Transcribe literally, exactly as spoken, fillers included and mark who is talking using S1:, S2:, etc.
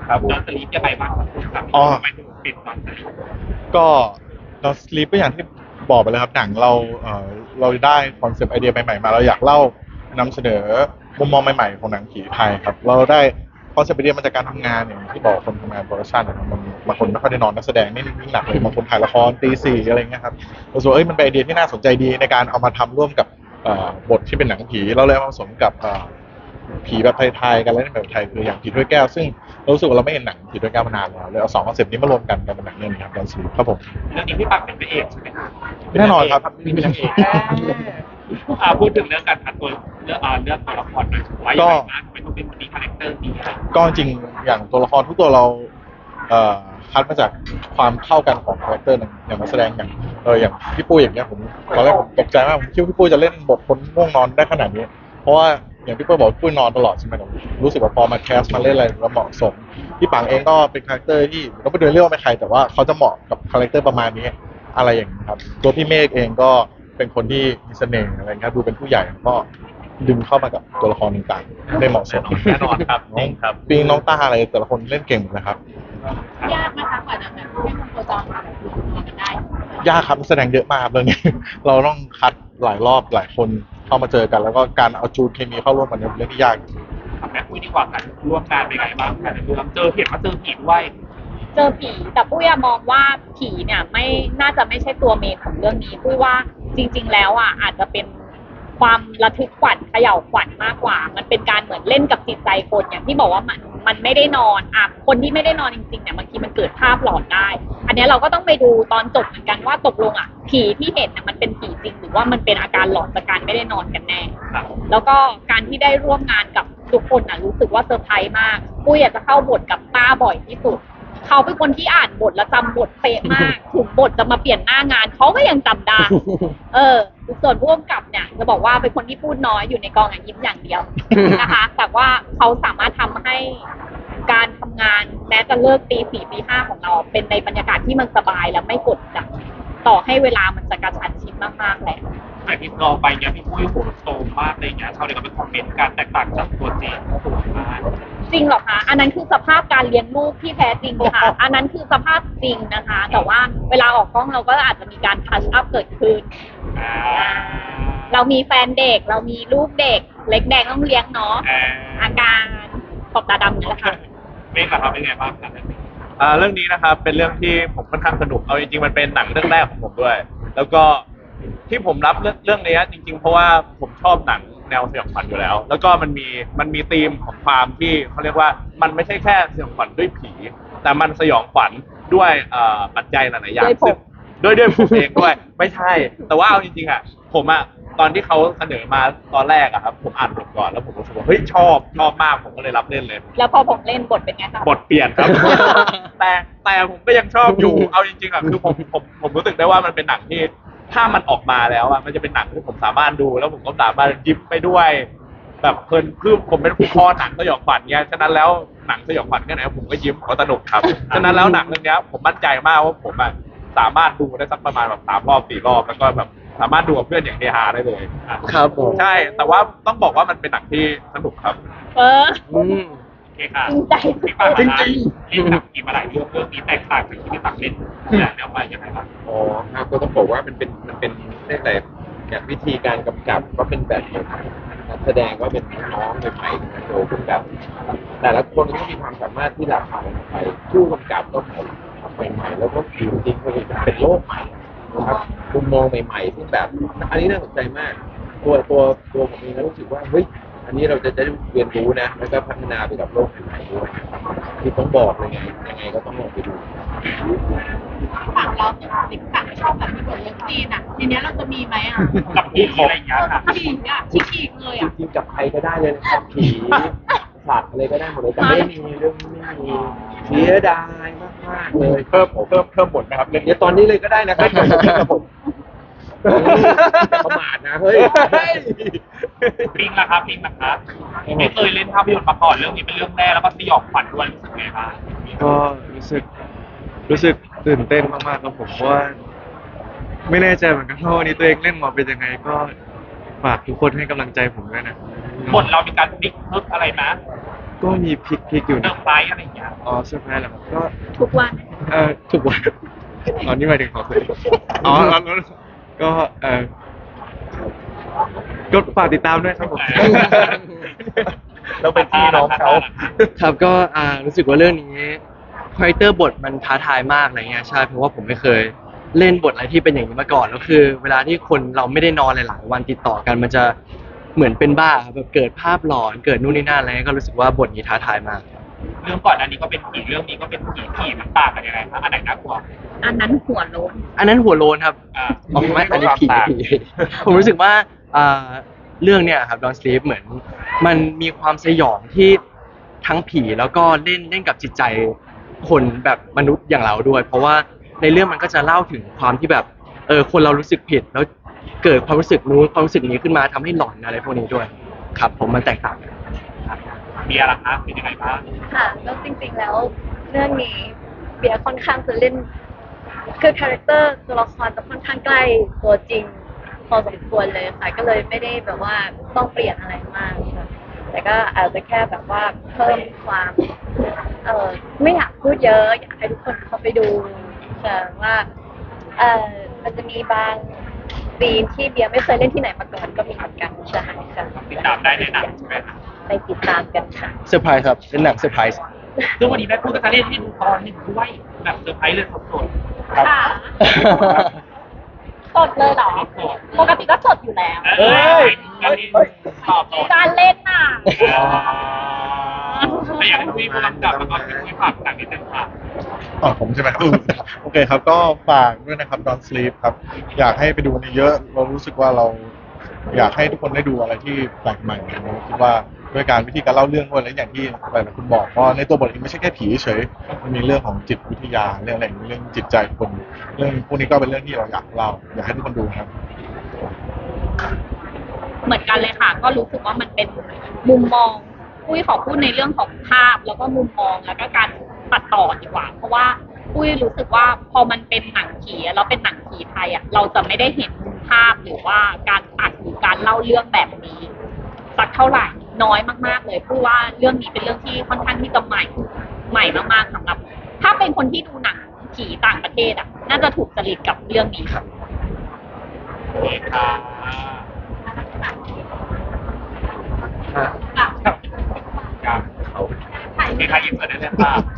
S1: ครับ
S2: นอนสลีปยังไงบ้างครับ
S1: อ๋อ
S2: ทำไมถึงปิดนอนสลีป
S1: ก็เราสลีปก็อย่างที่บอกไปเลยครับหนังเราเอ่อเราได้คอนเซปต์ไอเดียใหม่ๆมาเราอยากเล่านำเสนอมุมมองใหม่ๆของหนังผีไทยครับเราได้คอนเซปต์ไอเดียมาจากการทำงานอย่างที่บอกคนทำงานโปรดักชันนะครับมันบางคนไม่ค่อยได้นอนนักแสดงนี่ยิ่งหนักเลยบางคนถ่ายละครตีสี่อะไรเงี้ยครับเราสึกว่าเอ้ยมันเป็นไอเดียที่น่าสนใจดีในการเอามาทำร่วมกับเอ่อบทที่เป็นหนังผีเราเลยเอามาผสมกับเอ่อผีแบบไทยๆกันแล้วแบบไทยคืออย่างผีถ้วยแก้วซึ่งเรารู้สึกว่าเราไม่เห็นหนังผีถ้วยแก้วมานานแล้วเลยเอาสองคอนเซปต์นี้มารวมกันกันเป็นหนังเรื่องนี้ครับดอนสลีปครับผม
S2: เรื่องนี้พี่ปักเป็นพระเอกใช่ไหมครับ
S1: แน่นอนครับ
S2: มีเป็นนางเอกอ่าพูดถึงเรื่องการคัดตัวเรื่องอ่าเรื่องตัวละครหน่อยว่ายังไงบ้างทำไมต้องเป็นคนนี้คาแรคเตอร์นี้อะไร
S1: ก็จริงอย่างตัวละครทุกตัวเราเอ่อคัดมาจากความเข้ากันของคาแรคเตอร์อย่างนักแสดงอย่างเอออย่างพี่ปุ้ยอย่างเงี้ยผมตอนแรกผมตกใจมากผมคิดว่าพี่ปุ้ยจะเล่นบทคนง่วงนอนได้ขนาดนี้เพราะว่าอย่างพี่ปุ้ยบอกพี่ปุ้ยนอนตลอดใช่ไหมผมรู้สึกว่าพอมาแคสมาเล่นอะไรแล้วเหมาะสมพี่ปังเองก็เป็นคาแรคเตอร์ที่เราไม่เดินเรื่องไม่ใครแต่ว่าเขาจะเหมาะกับคาแรคเตอร์ประมาณนี้อะไรอย่างนี้ครับตัวพี่เมฆเองก็เป็นคนที่มีเสน่ห์อะไรเงี้ยดูเป็นผู้ใหญ่ก็ดึงเข้ามากับตัวละครต่างๆได้เหมาะสม
S2: แน่นอนครับจริงครับ
S1: ปิงน้องต้าอะไรแต่ละคนเล่นเก่งหมดนะครับ
S3: ยากไหมคะกว่าจะแบบให้มันโคจรมาแบบรวมตัวกันได้
S1: ยากครับนักแสดงเยอะมากครับเรื่องนี้ เราต้องคัดหลายรอบหลายคนเข้ามาเจอกัน แล้วก็การเอาจูนเคมีเข้าร่วมกันเนี่ยเป็นเรื่องที่ยาก
S2: ถามแม่คุยดีกว่ากันร่วมงานเป็นไงบ้างกันดูแล้วเจอเห็นว่าเจอผีด้วย
S3: เจอผีแต่ปุ้ยอะมองว่าผีเนี่ยไม่น่าจะไม่ใช่ตัวเมนของเรื่องนี้ปุ้ยว่าจริง ๆ แล้วอ่ะอาจจะเป็นความระทึกขวัญเขย่าขวัญมากกว่า มันเป็นการเหมือนเล่นกับจิตใจคนอย่างที่บอกว่ามันมันไม่ได้นอนอ่ะคนที่ไม่ได้นอนจริงๆเนี่ยบางทีมันเกิดภาพหลอนได้ อันเนี้ยเราก็ต้องไปดูตอนจบเหมือนกันว่าตกลงอ่ะผีที่เห็นน่ะมันเป็นผีจริงหรือว่ามันเป็นอาการหลอนจากการไม่ได้นอนกันแน่
S2: ครับ
S3: แล้วก็การที่ได้ร่วมงานกับทุกคนน่ะรู้สึกว่าเซอร์ไพรส์มากปุ้ยอยากจะเข้าบทกับป้าบ่อยที่สุดเขาเป็นคนที่อ่านบทและจำบทเป๊ะมาก ถึงบทจะมาเปลี่ยนหน้างานเขาก็ยังจำได้ เออส่วนผู้กำกับเนี่ยจะบอกว่าเป็นคนที่พูดน้อยอยู่ในกองอย่างยิ้มอย่างเดียว นะคะ แต่ว่าเขาสามารถทำให้การทำงานแม้จะเลิกตีสี่ตีห้าของเรา เป็นในบรรยากาศที่มันสบายและไม่กดดันต่อให้เวลามันจะกระชั้นชิดมากๆแหละ
S2: ไอพี่รอไปเนี่ยพี่ปุ้ยโหโซมมากเลยเนี่ยชาวเน็ตก็ไปคอมเมนต์การแตกต่างจากตัวจริงสวยมาก
S3: จริงเหรอคะ อันนั้นคือสภาพการเลี้ยงลูกที่แท้จริงค่ะ อันนั้นคือสภาพจริงนะคะ แต่ว่าเวลาออกกล้องเราก็อาจจะมีการทัชอัพเกิดขึ้น
S2: อ่า
S3: เรามีแฟนเด็ก เรามีลูกเด็ก เล็กแดงต้องเลี้ยงเนาะ
S2: อ่า
S3: อาการขอบตาดำนี่แหละค่ะ
S2: เมฆล่ะครับเป็นไงบ้างครับ
S4: อ่าเรื่องนี้นะครับเป็นเรื่องที่ผมค่อนข้างสนุกเอาจริงๆมันเป็นหนังเรื่องแรกของผมด้วย แล้วก็ที่ผมรับเรื่องเรื่องนี้จริงๆ เพราะว่าผมชอบหนังแนวสยองขวัญอยู่แล้ว แล้วก็มันมีมันมีธีมของความที่เขาเรียกว่ามันไม่ใช่แค่สยองขวัญด้วยผี แต่มันสยองขวัญด้วยเอ่อปัจจัยหลายๆอย่าง
S3: ด้วยผม
S4: ซึ่งด้วยด้วยผมเองด้วย ไม่ใช่ แต่ว่าเอาจริงๆอ่ะผมอ่ะตอนที่เขาเสนอมาตอนแรกอะครับผมอ่านบทก่อนแล้วผมรู้สึกว่าเฮ้ยชอบชอบมากผมก็เลยรับเล่นเลย
S3: แล้วพอผมเล่นบทเป็นไงคะ
S4: บทเปลี่ยนครับ แต่แต่ผมก็ยังชอบอยู่ เอาจริงๆอ่ะคือผมผมผมรู้สึกได้ว่ามันเป็นหนังที่ถ้ามันออกมาแล้วอ่ะมันจะเป็นหนังที่ผมสามารถดู แล้วผมก็สามารถยิ้มไปด้วย แบบเพลินคือผมเป็นผู้คอหนังสยองขวัญเงี้ยฉะนั้นแล้วหนังสยองขวัญแค่ไหนผมก็ยิ้มผมก็สนุกครับฉะนั้นแล้วหนังเรื่องเนี้ยผมมั่นใจมากว่าผมอ่ะสามารถดูได้สักประมาณแบบสามรอบสี่รอบแล้วก็แบบสามารถดูกับเพื่อนอย่างเฮฮาได้เลยอ่ะ
S5: ครับผม
S4: ใช่แต่ว่าต้องบอกว่ามันเป็นหนังที่สนุกครับ
S3: เออ
S5: อืม
S2: โอเคค่ะ
S3: จริงใจ
S2: พี่ปัง
S5: จริง
S2: เล่นหนังผีมาหลายเรื่องเรื่องนี้แตกต่างจากที่พี่ปังเล่นแต่แนวไปยังไงบ้าง
S5: อ๋อครับก็ต้องบอกว่ามันเป็นมันเป็นเรียกอะไรแบบวิธีการกำกับก็เป็นแบบใหม่นักแสดงก็เป็นน้องๆใหม่ๆโตขึ้นแบบแต่ละคนก็มีความสามารถที่หลากหลายไปผู้กำกับก็ใหม่ๆแล้วก็จริงๆก็เป็นโลกใหม่นะครับมุมมองใหม่ๆที่แบบ อันนี้น่าสนใจมาก ตัวตัวตัวผมเองก็รู้สึกว่าเฮ้ยอันนี้เราจะได้เรียนรู้นะแล้วก็พัฒนาไปกับโลกใหม่ๆด้วยที่ต้องบอกเลยไงยังไงก็ต้องลองไปดู
S3: ฝั่งเราติดฝั่งชอบแบบมีบทเลิฟซีนอ่ะทีเนี้ยเราจะมีไหมอ่ะ
S2: กับผีอะไรอย่างเงี้ยค่ะ
S3: ฉีกอ่ะฉีกเลย
S5: จ
S3: อ่ะ
S5: ริงๆกับใครก็ได้เลยนะครับผีสัตว์อะไรก็ได้หมดเลยแต่ไม่มีเรื่องนี้ไม่มีเสียดายมากๆเลย
S1: เพิ่มเพิ่มเพิ่มบทนะครับเรื่อง
S5: เดี๋ยวตอนนี้เลยก็ได้นะครับครับผมประมาทนะเฮ้ย
S2: ปิงล่ะครับปิงล่ะครับไม่เคยเล่นภาพยนตร์มาก่อนเรื่องนี้เป็นเรื่องแรกแล้วก็สยองขวัญด้วยรู้สึกไงบ้าง
S6: ก็รู้สึกรู้สึกตื่นเต้นมากๆครับผมเพราะว่าไม่แน่ใจเหมือนกันว่าวันนี้ตัวเองเล่นมาเป็นยังไงก็ฝากทุกคนให้กำลังใจผมด้วยนะ
S2: บทเรามีการพลิกพึกอะไรนะ
S6: ก็มีพลิกพลิกอยู่
S2: เซอ
S6: นะ
S2: ร์ไพรส์อะไรอย่างเงี้ย
S6: อ๋อเซอร์ไพรส์เหรอครับก็
S3: ทุกวัน
S6: เออถูกวันอ๋อนี่หมายถึงของคุณอ๋อแล้วแล้วก็เออก็ฝากติดตามด้วยครับผม
S4: เราเป็นพี่น้องเขา
S7: ครับก็อ่ารู้สึกว่าเรื่องนี้คาแรคเตอร์บทมันท้าทายมากอะไรเงี้ยใช่เพราะว่าผมไม่เคยเล่นบทอะไรที่เป็นอย่างนี้มาก่อนแล้วคือ เวลาที่คนเราไม่ได้นอนหลายๆวันติดต่อกันมันจะเหมือนเป็นบ้าครับแบบเกิดภาพหลอนเกิดนู่นนี่นั่นอะไรเงี้ยก็รู้สึกว่าบทนี้ท้าทายมาก
S2: เรื่องก่อนอันนี้ก็เป็นผีเรื่องนี้ก็เป็นผีผีมันต่างกันยังไงครับอันไหนน่ากลัว
S3: อันนั้นหัวโล้น
S7: อันนั้นหัวโลนครับ
S2: อ่า
S7: อ๋อไม่อันนี้ผีผีผมรู้สึกว่าอ่าเรื่องเนี้ยครับ Don't Sleep เหมือนมันมีความสยองที่ทั้งผีแล้วก็เล่นเล่นกับจิตใจคนแบบมนุษย์อย่างเราด้วย เพราะว่าในเรื่องมันก็จะเล่าถึงความที่แบบเออคนเรารู้สึกผิดแล้วเกิดความรู้สึกนู้นความรู้สึกนี้ขึ้นมาทำให้หลอนอะไรพวกนี้ด้วย ครับ ผมมันแตกต่างกัน
S2: เบียร์ล่ะครับเป็นยังไงบ้าง
S8: ค่ะแล้วจริงๆแล้วเรื่องนี้เบียร์ค่อนข้างจะเล่นคือคาแรคเตอร์ตัวละครจะค่อนข้างใกล้ตัวจริงพอสมควรเลยค่ะก็เลยไม่ได้แบบว่าต้องเปลี่ยนอะไรมากค่ะแต่ก็อาจจะแค่แบบว่าเพิ่มความเออไม่อยากพูดเยอะอยากให้ทุกคนเข้าไปดูค่ะว่าเออมันจะมีบางซีนที่เบียร์ไม่เคยเล่นที่ไหนมาก่อนก็มีเหมือนกันใช่ค่ะ
S2: ติดตามได้ในหนังใช่ไหมครับ
S8: ไปติดตามกันค่ะ
S7: เซอร์ไพรส์ครับเป็นหนังเซอร์ไพรส์
S2: ซึ่งวันนี้แม่พูดก็จะเล่นให้ดูตอนหนึ่งด้วยแบบเซอร์ไพรส์เลยสดๆครับ
S3: ค่ะสดเลยเหรอ
S2: สด
S3: ปกติก็สดอยู่แล้ว
S2: เอ้ยการเล่นตอบตอบ
S3: การเล่นน่ะ
S2: แต่อยากให้คุยผู้กำกับแล้วก็คุยฝากหนังนิดนึงค่ะ
S1: อ๋อผมใช่ไหมครับ โอเคครับก็ฝากด้วยนะครับ Don't Sleep ครับ อยากให้ไปดูในเยอะ เรารู้สึกว่าเราอยากให้ทุกคนได้ดูอะไรที่แปลกใหม่เราคิดว่าด้วยการวิธีการเล่าเรื่องด้วยและอย่างที่หลายๆคนบอกว่าในตัวบทเองไม่ใช่แค่ผีเฉยมันมีเรื่องของจิตวิทยาเรื่องอะไรอย่างนี้เรื่องจิตใจคนเรื่องพวกนี้ก็เป็นเรื่องที่เราอยากเล่าอยากให้ทุกคนดูครับ
S3: เหมือนกันเลยค่ะ ก็รู้สึกว่ามันเป็นมุมมองปุ้ยขอพูดในเรื่องของภาพแล้วก็มุมมองแล้วก็การตัดต่อดีกว่า เพราะว่าปุ้ยรู้สึกว่าพอมันเป็นหนังผีอะแล้วเป็นหนังผีไทยอ่ะเราจะไม่ได้เห็นมุมภาพหรือว่าการตัดหรือการเล่าเรื่องแบบนี้สักเท่าไหร่น้อยมากๆเลยปุ้ยว่าเรื่องนี้เป็นเรื่องที่ค่อนข้างที่จะใหม่ใหม่มากๆสำหรับ ถ้าเป็นคนที่ดูหนังผีต่างประเทศอ่ะน่าจะถูกจริตกับเรื่องนี้ค่ะ
S2: โอเคค่ะครับโอเคค่ะยินดีได้เลยค่ะ